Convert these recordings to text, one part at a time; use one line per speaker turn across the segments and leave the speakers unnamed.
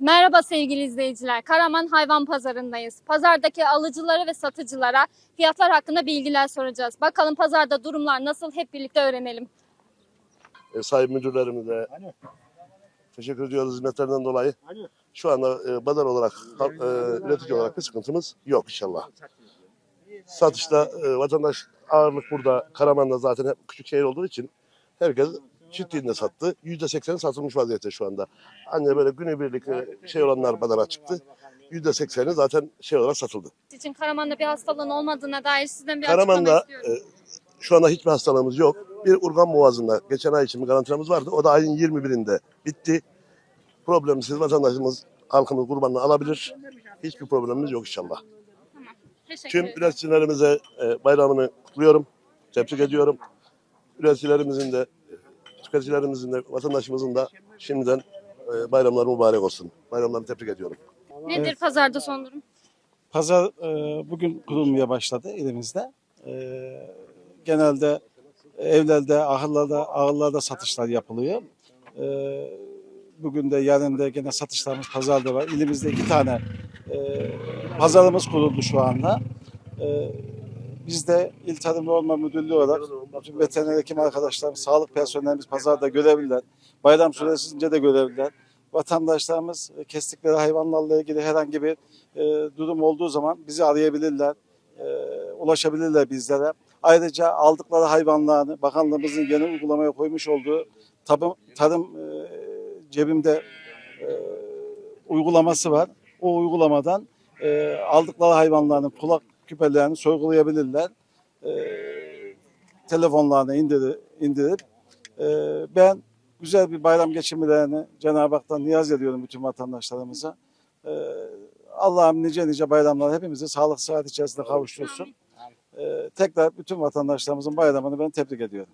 Merhaba sevgili izleyiciler. Karaman Hayvan Pazarı'ndayız. Pazardaki alıcılara ve satıcılara fiyatlar hakkında bilgiler soracağız. Bakalım pazarda durumlar nasıl, hep birlikte öğrenelim.
Sayın müdürlerimize teşekkür ediyoruz hizmetlerinden dolayı. Şu anda pazar olarak, üretici olarak bir sıkıntımız yok inşallah. Satışta vatandaş ağırlık burada. Karaman'da zaten hep küçük şehir olduğu için herkes çiftliğinde sattı. %80'i satılmış vaziyette şu anda. Anne böyle günübirlik şey olanlar pazara çıktı. %80'i zaten şey olarak satıldı.
İçin Karaman'da bir hastalığın olmadığına dair sizden bir açıklama
Karaman'da
istiyorum.
şu anda hiçbir hastalığımız yok. Bir urgan boğazında geçen ay için bir karantinamız vardı. O da ayın 21'inde bitti. Problemsiz vatandaşımız, halkımız kurbanını alabilir. Hiçbir problemimiz yok inşallah.
Teşekkür
Tüm
ederim.
üreticilerimize bayramını kutluyorum. Tebrik ediyorum. Üreticilerimizin de, tüketicilerimizin de, vatandaşımızın da şimdiden bayramları mübarek olsun. Bayramlarını tebrik ediyorum.
Nedir pazarda son durum?
Pazar bugün kurulmaya başladı elimizde. Genelde evlerde, ahırlarda satışlar yapılıyor. Bugün de yarın da gene satışlarımız pazarda var. İlimizde 2 tane pazarımız kuruldu şu anda. Biz de İl Tarım ve Orman Müdürlüğü olarak bütün veteriner hekim arkadaşlarımız, sağlık personelimiz pazarda görevliler. Bayram süresince de görevliler. Vatandaşlarımız kestikleri hayvanlarla ilgili herhangi bir durum olduğu zaman bizi arayabilirler, ulaşabilirler bizlere. Ayrıca aldıkları hayvanlarını bakanlığımızın yeni uygulamaya koymuş olduğu tarım cebimde uygulaması var. O uygulamadan aldıkları hayvanların kulak küpelerini sorgulayabilirler. Telefonlarına indirip ben güzel bir bayram geçirmelerini Cenab-ı Hak'tan niyaz ediyorum bütün vatandaşlarımıza. Allah'ım nice bayramlar hepimizi sağlık sıhhat içerisinde kavuştursun. Tekrar bütün vatandaşlarımızın bayramını ben tebrik ediyorum.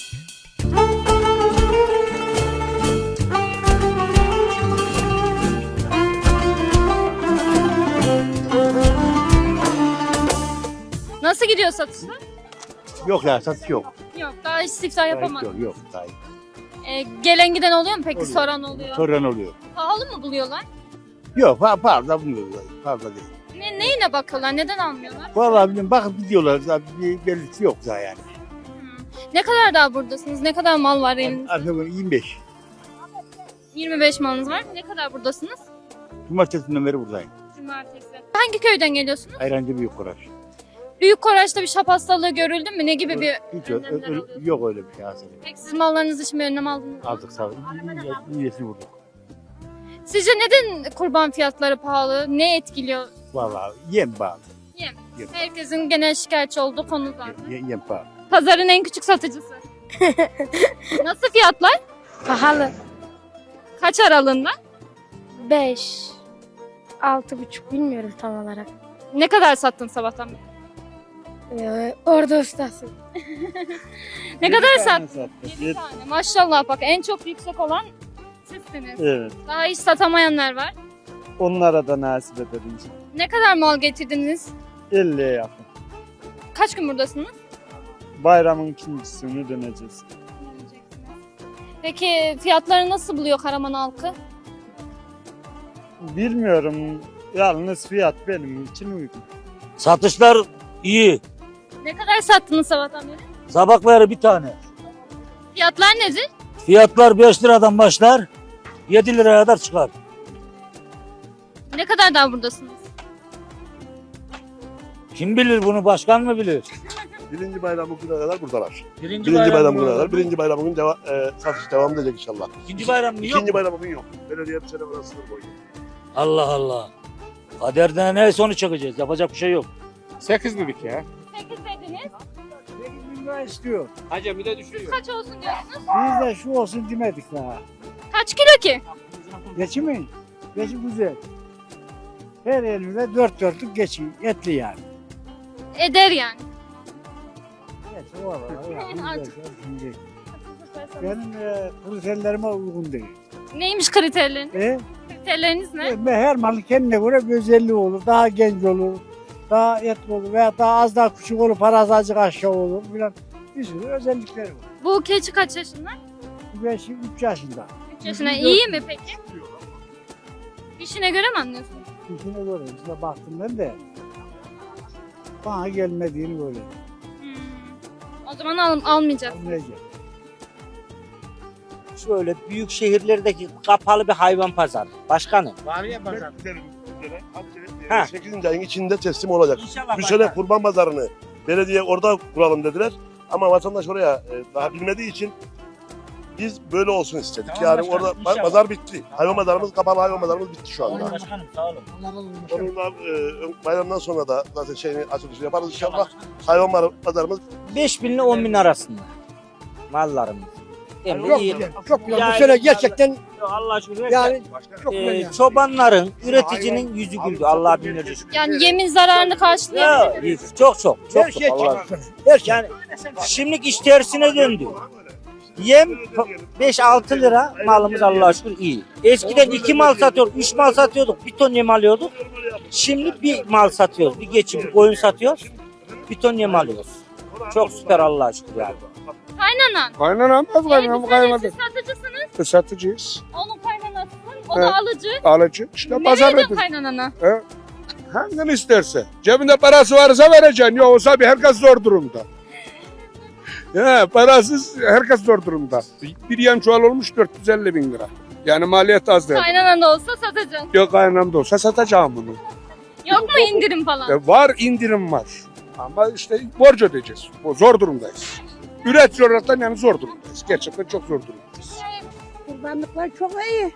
Nasıl gidiyor satışlar?
Yok ya satış yok.
Yok, daha hiç siftah yapamadım.
Yok daha iyi.
Gelen giden oluyor mu peki?
Oluyor.
Soran oluyor.
Soran oluyor.
Pahalı mı buluyorlar?
Yok fazla buluyoruz. Fazla değil.
Neyine bakıyorlar? Neden almıyorlar?
Vallahi bilmiyorum bakıp gidiyorlar. Zaten bir belirtisi yok daha yani.
Ne kadar daha buradasınız? Ne kadar mal var elinizde?
Aslında 25.
25 malınız var. Ne kadar buradasınız?
Cumartesinden beri buradayım.
Cumartesi. Hangi köyden geliyorsunuz?
Ayrancı Büyük Koraş.
Büyük Koraç'ta bir şap hastalığı görüldü mü? Ne gibi bir
Hiç
önlemler alıyorsunuz?
yok öyle bir şey aslında.
Peki siz mallarınız için bir önlem aldınız mı?
Aldık sağ olun. İyisini vurduk.
Sizce neden kurban fiyatları pahalı? Ne etkiliyor?
Vallahi yem bağlı.
Yem.
Yem.
Herkesin genel şikayetçi olduğu konu zaten.
Yem bağlı.
Pazarın en küçük satıcısı. Nasıl fiyatlar?
Pahalı.
Kaç aralığında?
5, 6,5 bilmiyorum tam olarak.
Ne kadar sattın sabahtan beri?
Orada ustasın.
Ne kadar sattın? 7 tane. Maşallah bak en çok yüksek olan sizsiniz.
Evet.
Daha hiç satamayanlar var.
Onlara da nasip edelim.
Ne kadar mal getirdiniz?
50'ye yakın.
Kaç gün buradasınız?
Bayramın ikincisini döneceğiz.
Peki fiyatları nasıl buluyor Karaman halkı?
Bilmiyorum. Yalnız fiyat benim için uygun.
Satışlar iyi.
Ne kadar sattınız sabahtan beri?
Sabahları bir tane.
Fiyatlar nedir?
Fiyatlar 5 liradan başlar. 7 liraya kadar çıkar.
Ne kadar daha buradasınız?
Kim bilir bunu, başkan mı bilir?
Birinci bayramı gününe kadar buradalar.
Birinci
Birinci bayramı
mı
gününe kadar.
olur?
Birinci bayramı gün satış devam edecek inşallah.
İkinci bayram mı yok?
İkinci bayramı gün yok. Belediye bir sene bana sınır koydu.
Allah Allah. Kaderden neyse onu çekeceğiz. Yapacak bir şey yok.
8 dedik ya.
8 dediniz.
8 lira istiyor.
Hacı bir de düşüyor.
Kaç olsun diyorsunuz?
Biz de şu olsun demedik daha.
Kaç kilo ki?
Geçimi? Geçim güzel. Her elimizde dörtlük geçiyor. Etli yani.
Eder yani.
Geç, vallahi.
Artık.
Şimdi benim kriterlerime uygun değil.
Neymiş kriterleriniz? Kriterleriniz ne?
Her malı kendine göre bir özelliği olur. Daha genç olur, daha etli olur veya daha az daha küçük olur, parası azıcık aşağı olur filan. Bir sürü özellikleri var.
Bu keçi kaç yaşında?
Ben şimdi 3 yaşında.
3 yaşında. İyi mi peki? İşine göre mi anlıyorsun?
İşine göre işte baktım ben de. Bana gelmediğini böyle.
O zaman almayacağız.
Anlayacağım.
Şöyle büyük şehirlerdeki kapalı bir hayvan pazarı. Başkanım.
Var ya pazar.
Ha.
8. ayın içinde teslim olacak.
İnşallah
Bu sene
başkanım.
kurban pazarını belediye orada kuralım dediler. Ama vatandaş oraya daha bilmediği için biz böyle olsun istedik.
Tamam
Yani
başkanım,
orada
inşallah.
pazar bitti. Hayvan pazarımız, kapalı hayvan pazarımız bitti şu anda.
Başkanım sağ olun.
Onun da bayramdan sonra da zaten açılışını yaparız inşallah. Hayvan pazarımız
5.000 ile 10.000 arasında mallarımız. Hem de iyi.
Çok güzel.
Yani-
Bu sene gerçekten
Allah şükür.
yani çok güzel yani.
Çobanların, üreticinin yüzü güldü. Allah binlerce şükür.
Yani yemin zararını karşılayabilir miyiz?
Ya, çok.
Her şey
Allah.
çok. Her şey.
Yani şimdilik iş tersine döndü. Yem 5-6 lira malımız Allah'a şükür iyi. Eskiden 2 mal satıyorduk, 3 mal satıyorduk, bir ton yem alıyorduk. Şimdi bir mal satıyoruz, bir geçim bir koyun satıyoruz, bir ton yem alıyoruz. Çok süper Allah'a şükür yani.
Kaynanan.
Kaynanam az kaynanam
Siz
kaynadı.
satıcısınız.
Satıcıyız.
Onun kaynanasısın. O
Evet.
da alıcı.
Alıcı. İşte
Ne
pazar
veriyorsun
ödül.
kaynanana?
Hangini isterse. Cebinde parası varsa vereceksin. Yoksa bir herkes zor durumda. Ya parasız herkes zor durumda. Bir yem çuval olmuş 450 bin lira. Yani maliyet az değil.
Kaynanan da olsa satacaksın.
Yok kaynanam da olsa satacağım bunu.
Yok mu indirim falan?
Var indirim var. Ama işte borç ödeyeceğiz. Zor durumdayız. Üretici olarak yani zor durumdayız. Gerçekten çok zor durumdayız.
Kurbanlıklar çok iyi.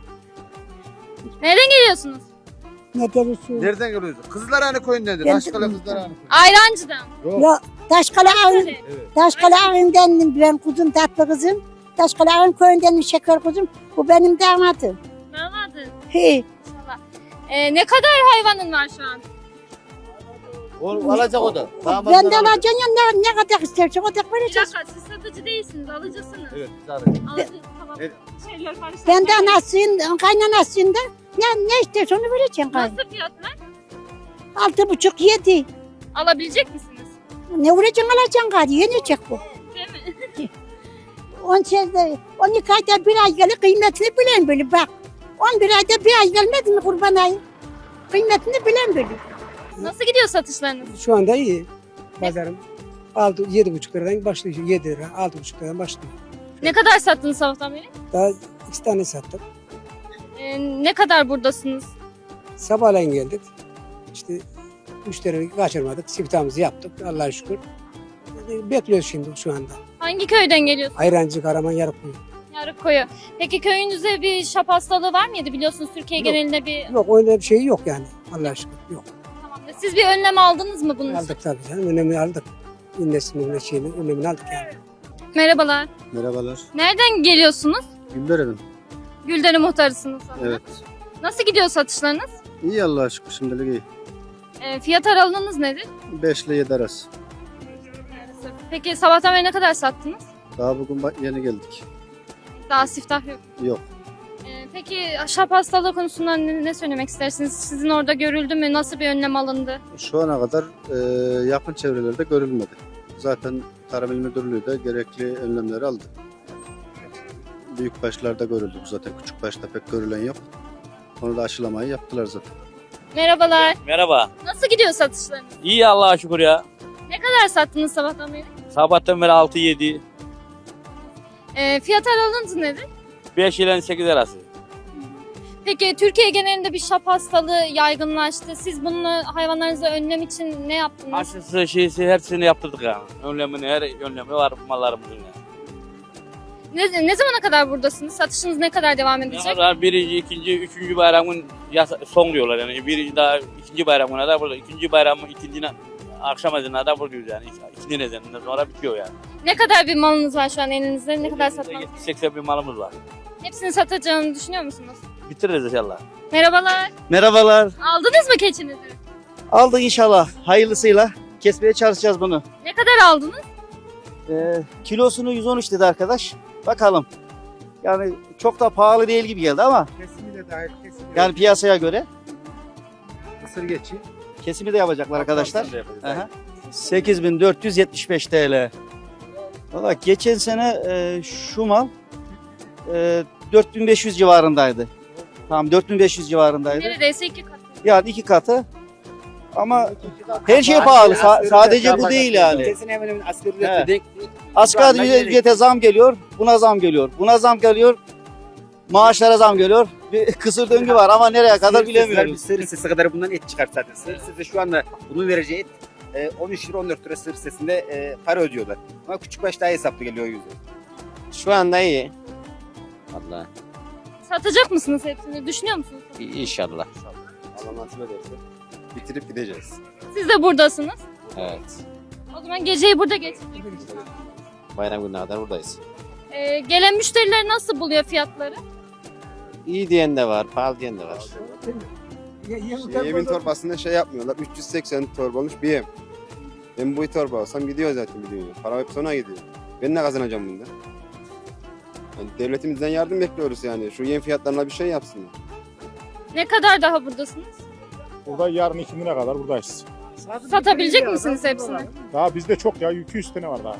Nereden geliyorsunuz?
Ne derisi?
Nereden geliyorsun? Kızlarhane köyündedir.
Ben-
Aşkala Kızlarhane.
Ayrancı'dan.
Ya Taşkala Ağın,
Evet.
Taşkala Ağın'dandım ben kuzum tatlı kızım. Taşkala Ağın köyündendim şeker kuzum. Bu benim damadım.
Damadın.
He.
İnşallah. Ne kadar hayvanın var şu an?
Alacak o da.
Ben de alacağım ya ne kadar istersen o kadar
Bir
vereceğiz.
dakika siz satıcı değilsiniz, alıcısınız.
Evet.
Alıcı, tamam.
Evet.
Şeyler karıştı.
Ben de anasıyım, kaynanasıyım da ne istersen onu vereceğim.
Nasıl fiyatlar?
6,5-7.
Alabilecek misiniz?
Ne vuracaksın alacaksın gari yenecek bu.
Değil mi?
12 ayda bir ay gelir kıymetini bilen böyle bak. 11 ayda bir ay gelmedi mi kurban ayı? Kıymetini bilen böyle.
Nasıl gidiyor satışlarınız?
Şu anda iyi. Pazarım 7,5 liradan başlıyor. 7 lira, 6,5 liradan başlıyor.
Ne kadar sattınız sabahtan beri?
Daha 2 tane sattık.
Ne kadar buradasınız?
Sabahleyin geldik. İşte müşteriyi kaçırmadık. Siftahımızı yaptık. Allah'a şükür. Bekliyoruz şimdi şu anda.
Hangi köyden geliyorsunuz?
Ayrancı, Karaman, Yarıkkuyu.
Yarıkkoyu. Peki köyünüzde bir şap hastalığı var mıydı? Biliyorsunuz Türkiye
Yok.
genelinde bir...
Yok öyle bir şey yok yani. Allah'a şükür yok.
Tamamdır. Siz bir önlem aldınız mı bunun için?
Aldık tabii canım. Önemini aldık. İnnesinin şeyini önemini aldık yani.
Merhabalar.
Merhabalar.
Nereden geliyorsunuz?
Gülderelim.
Gülder'in muhtarısınız sanırım.
Evet.
Nasıl gidiyor satışlarınız?
İyi Allah'a şükür şimdilik iyi.
Fiyat aralığınız nedir?
5 ile 7 arası.
Peki sabahtan beri ne kadar sattınız?
Daha bugün yeni geldik.
Daha siftah yok.
Yok.
Peki şap hastalığı konusunda ne söylemek istersiniz? Sizin orada görüldü mü? Nasıl bir önlem alındı?
Şu ana kadar yakın çevrelerde görülmedi. Zaten Tarım İl Müdürlüğü de gerekli önlemleri aldı. Büyük başlarda görüldü bu zaten. Küçük başta pek görülen yok. Onu da aşılamayı yaptılar zaten.
Merhabalar.
Merhaba.
Nasıl gidiyor satışlarınız?
İyi Allah'a şükür ya.
Ne kadar sattınız sabahtan beri?
Sabahtan beri 6-7,
Fiyat aralığınız nedir?
5 ile 8 arası.
Peki Türkiye genelinde bir şap hastalığı yaygınlaştı. Siz bunu hayvanlarınıza önlem için ne yaptınız?
Aşısı şeysi hepsini yaptırdık yani. Her önlemi var mallarımızın yani.
Ne zamana kadar buradasınız? Satışınız ne kadar devam edecek?
Yani birinci, ikinci, üçüncü bayramın son diyorlar yani. Birinci daha ikinci bayramına da burada. İkinci bayramın ikincine akşam ezanına da buradayız yani. İkinci ezanından sonra bitiyor yani.
Ne kadar bir malınız var şu an elinizde? Ne kadar satmanız?
70-80 bin malımız var.
Hepsini satacağını düşünüyor musunuz?
Bitiririz inşallah.
Merhabalar.
Merhabalar.
Aldınız mı keçinizi?
Aldık inşallah. Hayırlısıyla kesmeye çalışacağız bunu.
Ne kadar aldınız?
Kilosunu 113 dedi arkadaş. Bakalım. Yani çok da pahalı değil gibi geldi ama
Kesimi de dahil kesimi.
yani piyasaya göre
Mısır geçi.
kesimi de yapacaklar arkadaşlar.
Biz de yapacağız.
Aha. 8.475 TL. Valla geçen sene şu mal 4.500 civarındaydı.
Tamam 4500 civarındaydı.
Neredeyse 2 katı.
Yani 2 katı. Ama her şey pahalı. Sadece bu değil yani.
Kesin hemen hemen asgari
Evet.
ücrete denk.
Asgari ücrete zam geliyor, buna zam geliyor. Buna zam geliyor, maaşlara zam geliyor. Bir kısır döngü var ama nereye kadar bilemiyoruz.
Sığır sesi kadar bundan et çıkar zaten. Sığır sesi şu anda bunun vereceği et 13 lira 14 lira sığır sesinde para ödüyorlar. Ama küçük baş daha hesaplı geliyor o yüzden.
Şu anda iyi. Vallahi
Satacak mısınız hepsini? Düşünüyor musunuz?
inşallah.
Allah nasip ederse bitirip gideceğiz.
Siz de buradasınız.
Evet.
O zaman geceyi burada geçireceksiniz.
Bayram gününe kadar buradayız.
Gelen müşteriler nasıl buluyor fiyatları?
İyi diyen de var, pahalı diyen de var.
Yemin torbasında şey yapmıyorlar. 380 torba olmuş bir yem. Ben bu torba alsam gidiyor zaten biliyorsun. Para hep sona gidiyor. Ben ne kazanacağım bundan? Yani devletimizden yardım bekliyoruz yani. Şu yem fiyatlarına bir şey yapsınlar.
Ne kadar daha buradasınız?
Burada yarın 2 kadar buradayız.
Satabilecek misiniz hepsini?
Daha bizde çok ya 200 tane var daha.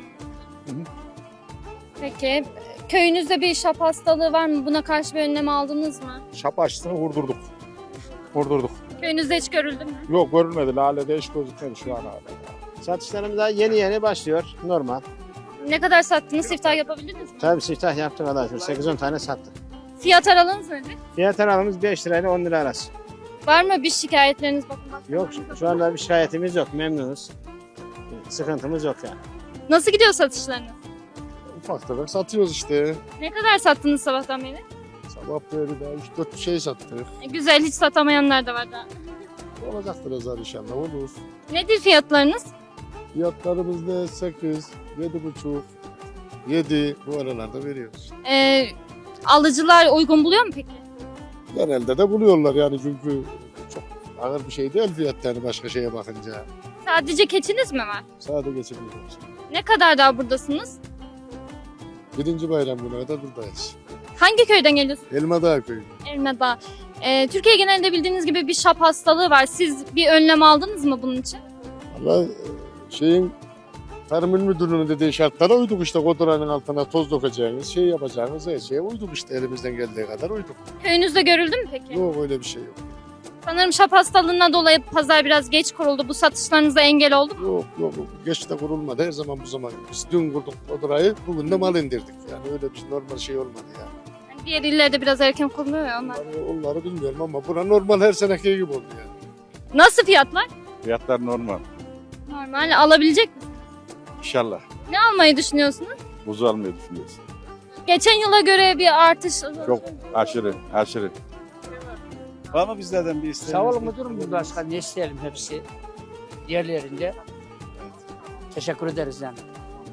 Peki. Köyünüzde bir şap hastalığı var mı? Buna karşı bir önlem aldınız mı?
Şap aşısını vurdurduk. Vurdurduk.
Köyünüzde hiç görüldü mü?
Yok görülmedi. Lale'de hiç gözükmedi şu an hala.
Satışlarımız daha yeni başlıyor. Normal.
Ne kadar sattınız? Siftah yapabildiniz mi?
Tabii siftah yaptık kadar. 8-10 tane sattık.
Fiyat aralığınız nedir?
Fiyat aralığımız 5 lirayla 10 lira arası.
Var mı bir şikayetleriniz? Bakın
Yok şu anda bir şikayetimiz yok. Memnunuz. Sıkıntımız yok yani.
Nasıl gidiyor satışlarınız?
Ufak tefek satıyoruz işte.
Ne kadar sattınız sabahtan beri?
Sabah böyle de 3-4 şey sattık.
Güzel, hiç satamayanlar da var daha.
Olacaktır azar inşallah olur.
Nedir fiyatlarınız?
Fiyatlarımız da 8, 7,5, 7 bu aralarda veriyoruz.
Alıcılar uygun buluyor mu peki?
Genelde de buluyorlar yani çünkü çok ağır bir şey değil fiyat yani başka şeye bakınca.
Sadece keçiniz mi var?
Sade geçebiliyoruz.
Ne kadar daha buradasınız?
1. bayram günü kadar buradayız.
Hangi köyden geliyorsunuz?
Elmadağ köyü.
Elmadağ. Türkiye genelinde bildiğiniz gibi bir şap hastalığı var. Siz bir önlem aldınız mı bunun için?
Valla şeyin Tarım İl Müdürlüğü'nün dediği şartlara uyduk işte koduranın altına toz dökeceğiniz, şey yapacağınız her şeye uyduk işte elimizden geldiği kadar uyduk.
Köyünüzde görüldü mü peki?
Yok öyle bir şey yok.
Sanırım şap hastalığından dolayı pazar biraz geç kuruldu. Bu satışlarınıza engel oldu mu?
Yok geç de kurulmadı her zaman bu zaman. Biz dün kurduk kodurayı bugün de mal indirdik yani öyle bir normal şey olmadı yani.
Yani diğer illerde biraz erken kuruluyor ya onlar.
Onları bilmiyorum ama bura normal her seneki gibi oldu yani.
Nasıl fiyatlar?
Fiyatlar normal.
Normal. Alabilecek misiniz?
İnşallah.
Ne almayı düşünüyorsunuz?
Buzu almayı düşünüyoruz.
Geçen yıla göre bir artış.
Aşırı.
Var mı bizlerden bir isteğiniz?
Sağ olun müdürüm başka ne isteyelim hepsi diğerlerinde. Teşekkür ederiz yani.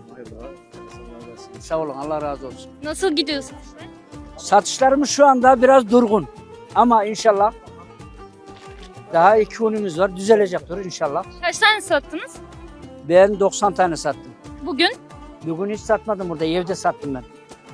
Sağ olun Allah razı olsun.
Nasıl gidiyorsunuz?
Satışlarımız şu anda biraz durgun ama inşallah daha 2 günümüz var düzelecektir inşallah.
Kaç tane sattınız?
Ben 90 tane sattım.
Bugün?
Bugün hiç satmadım burada evde sattım ben.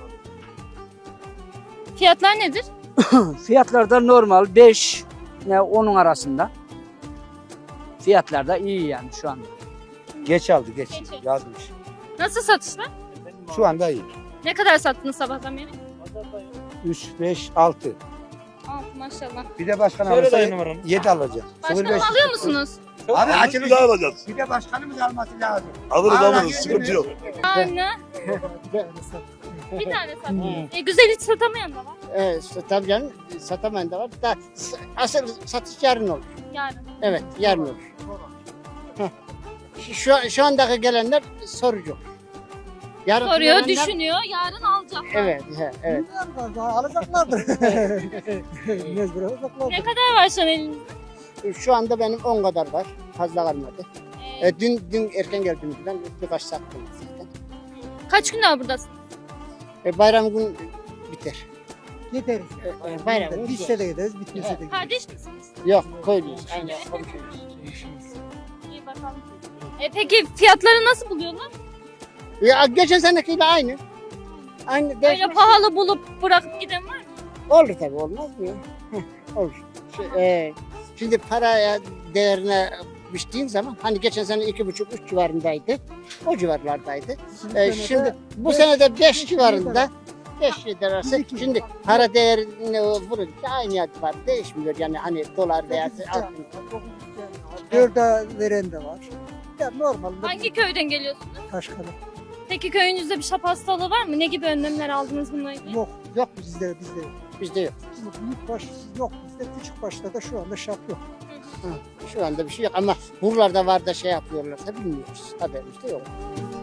Fiyatlar nedir?
Fiyatlar da normal 5 ile 10'un arasında. Fiyatlar da iyi yani şu anda.
Geç aldı geç.
Yazmış. Nasıl satışlar?
Şu anda iyi.
Ne kadar sattınız sabahtan beri?
3, 5, 6.
6 maşallah.
Bir de başkan alırsa 7 alacağız.
Başkanım alıyor musunuz?
Abi
Bir daha alacağız.
Bir de başkanımız alması lazım.
Alırız sıkıntı yok.
Anne. Bir tane sattınız. Güzel hiç satamayan da var.
Evet, tabii canım satamayan da var. Da, asıl satış yarın olur.
Yani.
Evet, yarın olur. Heh. Şu andaki gelenler sorucu. Yarın
Soruyor,
gelenler-
düşünüyor, yarın alacak.
Evet, evet.
Alacaklardır.
Ne kadar var şu an elinizde?
Şu anda benim 10 kadar var. Fazla kalmadı. Dün erken geldim ben birkaç sattım zaten.
Kaç gün daha buradasın?
Bayram gün biter.
Gideriz.
Bayram gün
Bitse de gideriz, bitmese de gideriz.
Kardeş misiniz?
Yok, koymuyoruz. Aynen, komşuyuz.
İyi bakalım. Peki fiyatları nasıl buluyorlar?
Ya geçen senekiyle aynı. Aynı
Öyle
değişmez.
pahalı bulup bırakıp giden var mı?
Olur tabii, olmaz mı ya? Olur. Şimdi paraya değerine biçtiğin zaman hani geçen sene 2,5-3 civarındaydı. O civarlardaydı. Şimdi bu sene de 5 civarında.
5 lirası. Şimdi para değerini vurunca aynı var. Değişmiyor yani hani dolar veya altın.
4'e veren de var. Ya normalde
Hangi köyden geliyorsunuz?
Taşkala.
Peki köyünüzde bir şap hastalığı var mı? Ne gibi önlemler aldınız bununla ilgili?
Yok. Yok bizde yok.
Bizde yok.
Büyük baş yok bizde. Küçük başta da şu anda şap yok.
Şu anda bir şey yok ama buralarda var da şey yapıyorlarsa bilmiyoruz. Haberimiz de yok.